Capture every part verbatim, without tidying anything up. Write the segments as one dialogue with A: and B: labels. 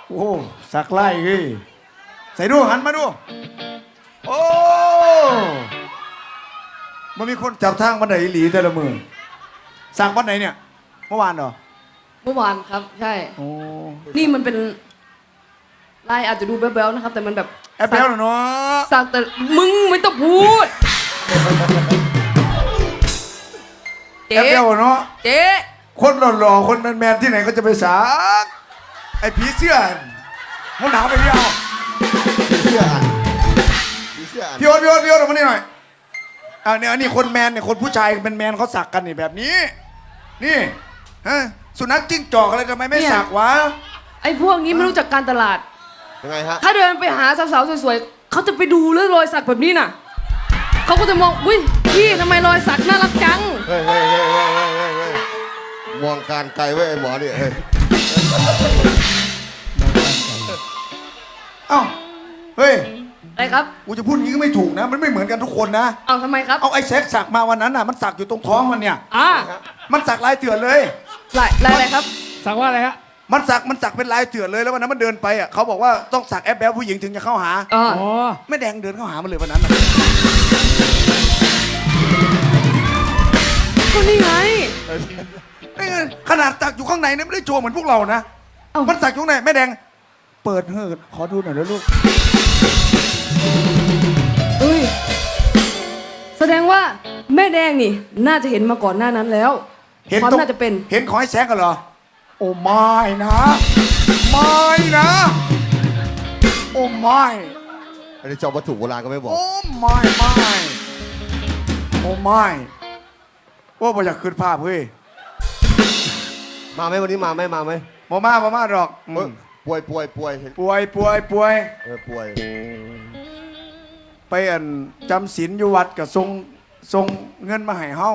A: โอ้สักไล่เฮ้ยใส่ดูหันมาดูโอ้มันมีคนจับทางบันไดหลีแต่ละมือสักวันไหนเนี่ยเมื่อวานเหรอ
B: เมื่อวานครับใช่
A: โอ้
B: นี่มันเป็นลายอาจจะดูแบ๊วๆนะครับแต่มันแบบ
A: แอบแบ๊วเนาะ
B: สักแต่มึงไม่ต้องพูด
A: แอบแบ๊วเนาะ
B: เจ๊
A: คนหล่อๆคนแมนๆที่ไหนก็จะไปสักไอ้ผีเสื้อมึงหนาวไปพี่เอา
C: ผีเสื้ออันผีเสื้ออัน
A: พี่โอ๊ตพี่โอ๊ตพี่โอ๊ตออกมานี่หน่อยอ่าเนี่ยนี่คนแมนเนี่ยคนผู้ชายเป็นแมนเขาสักกันนี่แบบนี้นี่ฮะสุนัขจิ้งจอกอะไรทำไมไม่สักวะ
B: ไอ้พวกนี้ไม่รู้จักการตลาด
C: ยังไงฮะ
B: ถ้าเดินไปหาสาวๆสวยๆเขาจะไปดูเรื่องรอยสักแบบนี้น่ะเขาก็จะมองอุ้ยพี่ทำไมรอยสักน่ารักจัง
C: เฮ้ยเฮ้ยเฮ้ยเฮ้ยเฮ้ยเฮ้ยเฮ้ยมองการไกลไว้ไอ้หมอเนี่ยเฮ้ย
A: เอ้าเฮ้ย
B: อะไรครับ
A: กูจะพูดอย่างนี้ก็ไม่ถูกนะมันไม่เหมือนกันทุกคนนะ
B: เอาทำไมครับ
A: เอาไอ้แซกสักมาวันนั้นน่ะมันสักอยู่ตรงท้องมันเนี่ย
B: อ่า
A: มันสักลายเถื่อนเลย
B: ลายลายอะไรครับ
D: สักว่าอะไรฮะ
A: มันสักมันสักเป็นลายเถื่อนเลยแล้ววันนั้นมันเดินไปอ่ะเขาบอกว่าต้องสักแอปแบลผู้หญิงถึงจะเข้าหา
B: อ๋อ
A: แม่แดงเดินเข้าหามันเลยวันนั้น
B: ก็นี่ไง
A: ขนาดสักอยู่ข้างในเนี่ยไม่ได้โชว์เหมือนพวกเรานะมันสักอยู่ข้างในแม่แดงเปิดเหิดขอดูหน่อยแล้วลูก
B: เฮ้ยแสดงว่าแม่แดงนี่น่าจะเห็นมาก่อนหน้านั้นแล้วความน่าจะเป็น
A: เห็นขอให้แซกกันเหรอโอ้ไม่นะไม่นะโอ้ไม่
C: อันนี้จอมวัตถุโบราณก็ไม่บอก
A: โอ้ไม่ไม่โอ้ไม่ว่าบ่อยากขึ้นภาพเฮ้ย
C: มาไหมวันนี้มาไหมมาไหม
A: มามามามาดอก
C: ป่วยป่วยป่วย
A: ป่วยป่วยป่วย
C: เออป่วย
A: ไปอันจำศีลอยู่วัดกับทรงทรงเงินมาให้เฮา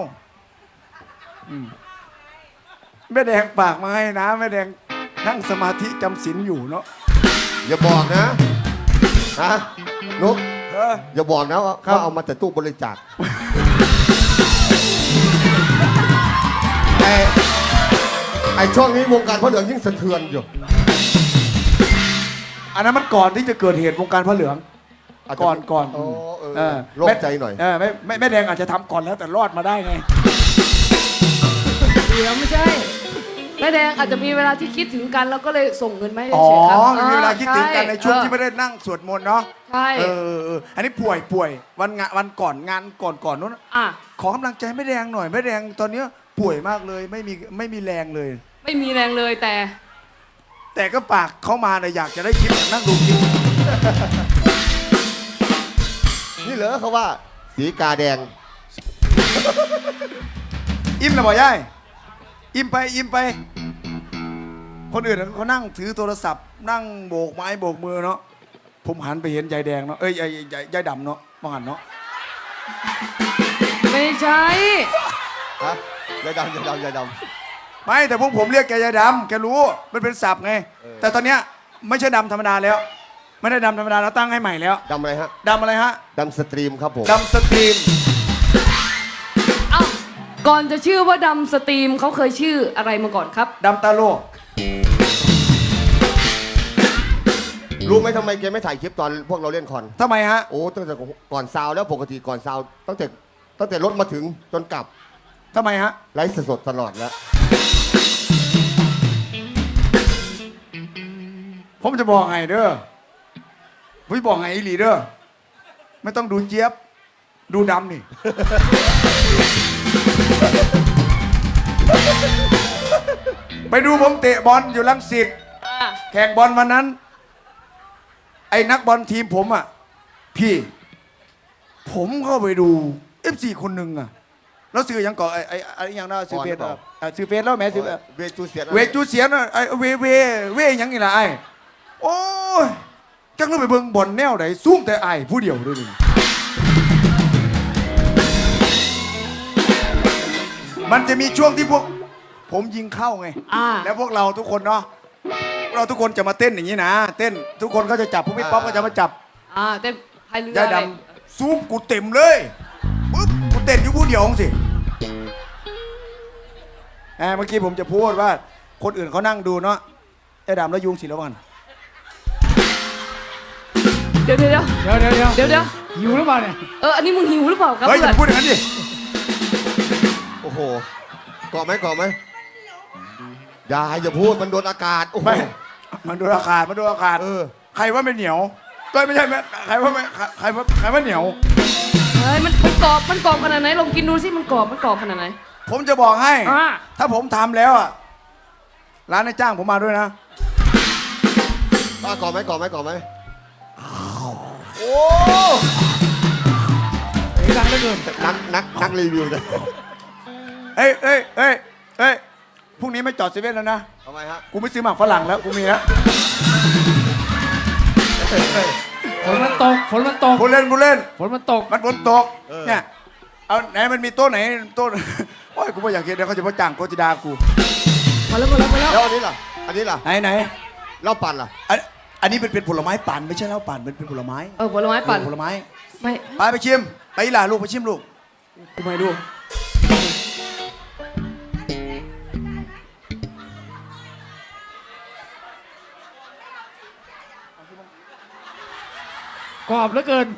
A: แม่แดงปากมาให้นะแม่แดงนั่งสมาธิจำศีลอยู่เนาะ
C: อย่าบอกนะฮะนุ๊กอย่าบอกนะว่าเอามาแต่ตู้บริจาคไอ้ไอ้ช่วงนี้วงการพระเหลืองยิ่งสะเทือนอยู่
A: อันนั้นมันก่อนที่จะเกิดเหตุวงการพระเหลืองก่อนก่อน
C: เออโล่งใจหน่อย
A: เออไม่ไม่แม่แดงอาจจะทำก่อนแล้วแต่รอดมาได้ไง
B: เดี๋ยวไม่ใช่แม่แดงอาจจะมีเวลาที่คิดถึงกันแล้วก็เลยส่งเงินมาให้
A: เฉ
B: ยๆครับ
A: อ๋อมีเวลาคิดถึงกันในช่วงที่ไม่ได้นั่งสวดมนต์เนาะ
B: ใช่
A: เอออันนี้ป่วยป่วยวันงานวันก่อนงานก่อนก่อนนู้น
B: อ่ะ
A: ขอกำลังใจแม่แดงหน่อยแม่แดงตอนนี้ป่วยมากเลยไม่มีไม่มีแรงเลย
B: ไม่มีแรงเลยแต่
A: แต่ก็ปากเข้ามาเนี่ยอยากจะได้คลิปนั่งดูคลิป
C: นี่เหรอเขาว่าสีกาแดง
A: อิ่มนะบ่ย่ายอิ่มไปอิ่มไปคนอื่นเขานั่งถือโทรศัพท์นั่งโบกไม้โบกมือเนาะผมหันไปเห็นยายแดงเนาะเอ้ยยายยายยายดำเนาะมองหันเนาะ
B: ไม่ใช่
C: ฮะยายดำยายดำยายด
A: ำไม่แต่พวกผมเรียกแกยายดำแกรู้มันเป็นศัพท์ไงแต่ตอนเนี้ยไม่ใช่ดำธรรมดาแล้วไม่ได้ดำธรรมดาแล้วตั้งให้ใหม่แล้ว
C: ดำอะไรฮะ
A: ดำอะไรฮะ
C: ดำสตรีมครับผม
A: ดำสตรีม
B: เอ้าก่อนจะชื่อว่าดำสตรีมเขาเคยชื่ออะไรมาก่อนครับ
A: ดำตาโล
C: รู้ไหมทำไมแกไม่ถ่ายคลิปตอนพวกเราเล่นคอน
A: ทำไมฮะ
C: โอ้ตั้งแต่ก่อนซาวแล้วปกติก่อนซาวตั้งแต่ตั้งแต่รถมาถึงจนกลับ
A: ทำไมฮะ
C: ไลฟ์สดตลอดแล้ว
A: ผมจะบอกไงเด้อผมบอกไงอีหลีเด้อไม่ต้องดูเจี๊ยบดูดำนี่ไปดูผมเตะบอลอยู่รังสิตแข่งบอลวันนั้นไอ้นักบอลทีมผมอ่ะพี่ผมเข้าไปดู เอฟ ซี คนหนึ่งอ่ะแล้วซื้อยังก่อนไอ้ไอ้ไอ้ยังน่าซื้อเฟสอ่ะซื้อเฟสแล้วแม่ซื้อ
C: เวจูเสีย
A: เวจูเสียนะไอ้เวเวเวยังนี่ล่ะไอ้โอ้ยจังเลยไปเบิ่งบอลแนวไหนซุ่มแต่ไอ้ผู้เดียวด้วยนี่มันจะมีช่วงที่พวกผมยิงเข้าไงแล้วพวกเราทุกคนเนาะเราทุกคนจะมาเต้นอย่างนี้นะเต้นทุกคนก็จะจับพวกพี่ป๊อปก็จะมาจับ
B: อ่าเต้นพายเรื
A: อยายดำซูมกูเต็มเลยปุ๊บกูเต้นอยู่ผู้เดียวสิเมื่อกี้ผมจะพูดว่าคนอื่นเขานั่งดูเนาะยายดำแล้วยุงสิแล้วกัน
B: ดี๋ยวเดี๋ยวเดี๋ยว
D: เดี๋ยวเดี๋ยวเดี๋ยว
B: เดี๋ยวเดี๋ยว
D: หิวหรือเปล่าเนี่ย
B: เอออันนี้มึงหิวหรือเปล่าครับ
A: เฮ้ยอ
B: เพื่อน
A: ย่าพูดอย่างนั้นดิ
C: โอ้โหเกาะไหมเกาะไหมอย่าอย่าพูดมันโดนอากาศโอ้โห
A: ไม่มันโดนอากาศมันโดนอากาศ
C: เออ
A: ใครว่าไม่เหนียวก็ไม่ใช่ไหมใครว่าไม่ใครว่าใครว่าเหนียว
B: เฮ้ยมันมันกรอบมันกรอบขนาดไหนลองกินดูสิมันกรอบมันกรอบขนาดไหน
A: ผมจะบอกให้
B: อ่า
A: ถ้าผมทำแล้วอ่ะร้านนายจ้างผมมาด้วยนะ
C: ป้าเกาะไหมเกาะไหมเกาะไหม
A: โอ้
D: เสียงดังเหลือเกิน
C: นักนักนักรีวิวเลย
A: เอ้ยเอ้ยเอ้ยเอ้ยพรุ่งนี้ไม่จอดเซเว่นแล้วนะ
C: ทำไมฮะ
A: กูไม่ซื้อหมากฝรั่งแล้วกูมีแล้ว
D: ฝนมันตกฝนมันตก
A: กูเล่นกูเล่น
D: ฝนมันตก
A: มันฝนตกเนี่ยเอาไหนมันมีโต๊ะไหนโต๊ะ โอ้ยกูไม่อยากเห็นเดี๋ยวเขาจะมาจ้างโกจิดากู
B: มาแล้วมาแล้วมาแล้ว
C: แล้วอันนี้ล่ะอันนี้ล่ะ
A: ไหนไหน
C: เหล้าปั่นล่ะ
A: อันอันนี้เป็นเป็นผลไม้ปั่นไม่ใช่เหล้าปั่นเป็นเป็นผลไม้
B: เออผลไม้ปั่น
A: ผลไม้
B: ไม่
A: ไปไปชิมไปอีหล่าลูกไปชิมลูก
B: กูไม่ดู
D: กรอบเหลือเกิน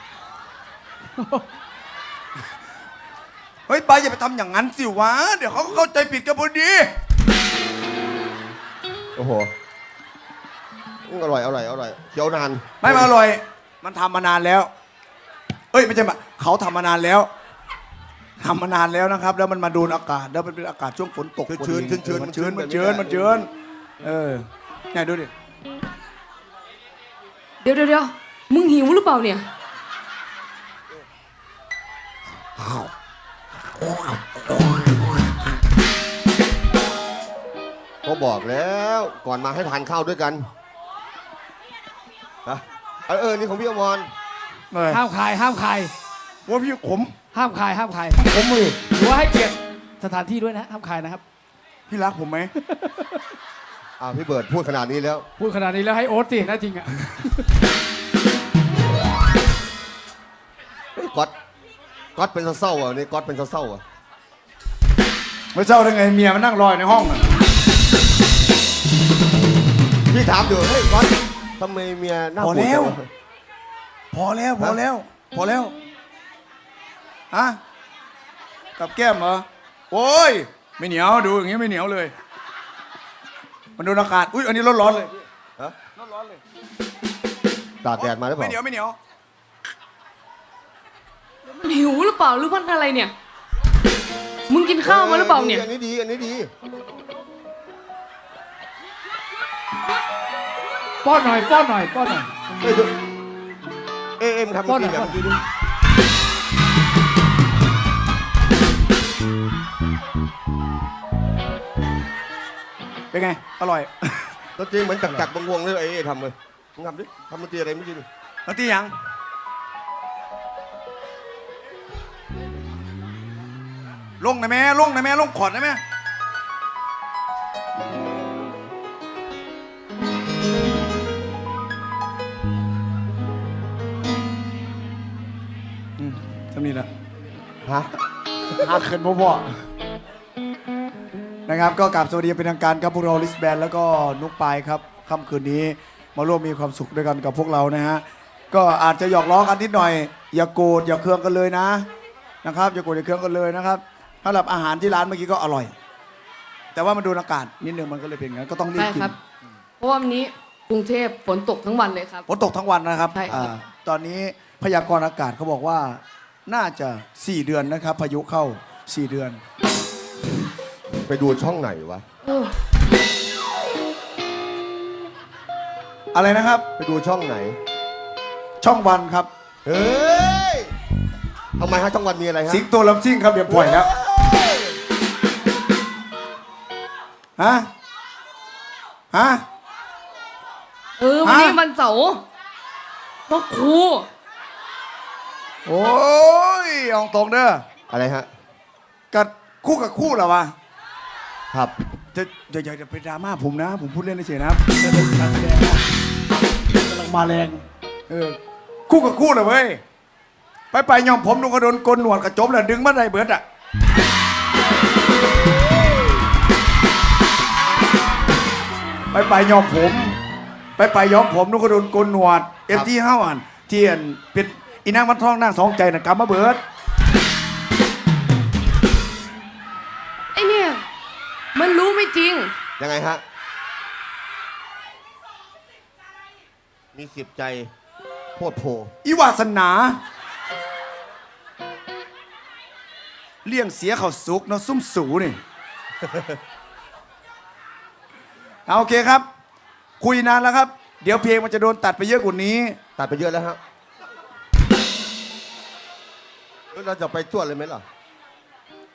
A: เฮ้ยไปอย่าไปทำอย่างนั้นสิวะเดี๋ยวเขาเข้าใจผิดกันพอดี
C: โอ้โหอืมอร่อยอร่อยอร่อยเคี้ยวนาน
A: ไม่มาอร่อย มันทำมานานแล้ว เอ้ยไม่ใช่มาเขาทำมานานแล้วทำมานานแล้วนะครับ แล้วมันมาโดนอากาศแล้วมันเป็นอากาศช่วงฝนตก
C: ชื้นชื้นชื้น
A: มันชื้นมันชื้นมันชื้นเออเนี่ยดูดิ
B: เดี๋ยวเดี๋ยวเดี๋ยวมึงหิวหรือเปล่าเนี่ย
C: ก็บอกแล้วก่อนมาให้ทานข้าวด้วยกันฮะเออเออนี่ของพี่อมร
A: เออ
D: ห้ามขายห้ามขาย
A: ว่าพี่ขม
D: ห้ามขายห้ามขาย
A: ขมเลย
D: หรือว่าให้เกียรติสถานที่ด้วยนะห้ามขายนะครับ
A: พี่รักผมไหม
C: อ่าพี่เบิร์ดพูดขนาดนี้แล้ว
D: พูดขนาดนี้แล้วให้โอ๊ตสิน่าจริงอ่ะ
C: เฮ้ยก๊อตก๊อตเป็นเศร้าๆอ่ะนี่ก๊อตเป็นเศร้าๆอ่ะ
A: ไม่เศร้าได้ไงเมียมันนั่งรออยู่ในห้องน่ะ
C: พี่ถามอยู่เฮ้ยก๊อตทำไมเมียหน้า
A: พอ
C: บูด
A: แล้ว
C: จังะ
A: พอแล้วพอแล้ว พอแล้วฮะกับแก้มเหรอโอ้ยไม่เหนียวดูอย่างงี้ไม่เหนียวเลย มันโดนอากาศอุ้ยอันนี้ร้อนๆเลย
C: ฮะ
A: ร้อนๆเลย
C: ตากแดดมาหรือเป
A: ไม่
C: ล่า
A: เหนียวไม่เหนียว
B: มันหิวหรือเปล่าหรือมันอะไรเนี่ย มึงกินข้าวมาหรือเปล่าเนี่ย
C: อันนี้ดีอันนี้ดี
D: ป้อนหน่อยป้อนหน่อยป้อนหน่อย
C: เอ้ยดูเอ้ยเอ็มทำ
D: ป้อน
C: กิน
D: หน่
C: แบ
D: อย
C: บนี้ดิ
A: เป็นไงอร่อย
C: ดนตรีเหมือนจักจักวงๆเลยไอ้เอ้ยทำเลยมึงทำดิทำดนตรีอะไรไม่อกิน
A: แล้วที่ยังลงหนะแม่ลงหนะแม่ลงขอดหนะแม่อืมทำนี่ละ
C: ฮะ
A: หักขึ้นพ่อนะครับก็กราบสวัสดีเป็นทางการครับพวกเราลิสแบนแล้วก็นุกปายครับค่ำคืนนี้มาร่วมมีความสุขด้วยกันกับพวกเรานะฮะก็อาจจะหยอกล้อกันนิดหน่อย อย่าโกรธอย่าเคืองกันเลยนะนะครับอย่าโกรธอย่าเคืองกันเลยนะครับสำหรับอาหารที่ร้านเมื่อกี้ก็อร่อย แต่ว่ามันโดนอากาศนิดนึงมันก็เลยเป็นอย่างนั้นก็ต้องรีบ
B: ใช่
A: กิน
B: ครับ เพราะว่าวันนี้กรุงเทพฝนตกทั้งวันเลยครับ
A: ฝนตกทั้งวันนะครับ
B: ใช่ครับ
A: อ่าตอนนี้พยากรณ์อากาศเขาบอกว่าน่าจะสี่เดือนนะครับพายุเข้าสี่เดือน
C: ไปดูช่องไหนวะ
B: เออ
A: อะไรนะครับ
C: ไปดูช่องไหน
A: ช่องวันครับ
C: เฮ้ยทำไมฮะช่องวันมีอะไรฮะ
A: สิงโตลำซิ่งครับเดี๋ยวปล่อยแล้ว ฮะ ฮะ
B: เออวันนี้
A: ฮะ
B: วันเสาร์พ่อครู
A: โอ้ยเอองตรงเด้อ
C: อะไรฮะ
A: กับคู่กับคู่เหรอวะ
C: ครับ
A: จะอย่าอย่าอย่าไปดราม่าผมนะ ผมพูดเล่นเฉยๆนะครับการแสดงนะกำลังมาแรง เออ คู่กับคู่เหรอเว้ย ไปไปยอมผมดูกระโดนกลหนวดกระจบแล้วดึงมาได้เบิดอ่ะ ไปไปยอมผม ไปไปย้อมผมนุก็โดนโกนหนวดเอ็มที่ห้าอันที่อันเป็นอีนางวันทองนางสองใจน่ะกำมาเบิด
B: ไอเนี่ยมันรู้ไม่จริง
C: ยังไงฮะ มีสิบใจโพดโพ
A: อีวาสนาเลี้ยงเสียเขาสุกเนาะซุ่มสูนี่ เอาโอเคครับ คุยนานแล้วครับ เดี๋ยวเพลงมันจะโดนตัดไปเยอะกว่านี้
C: ตัดไปเยอะแล้วฮะแล้วเราจะไปจวดเลยไหมล่ะ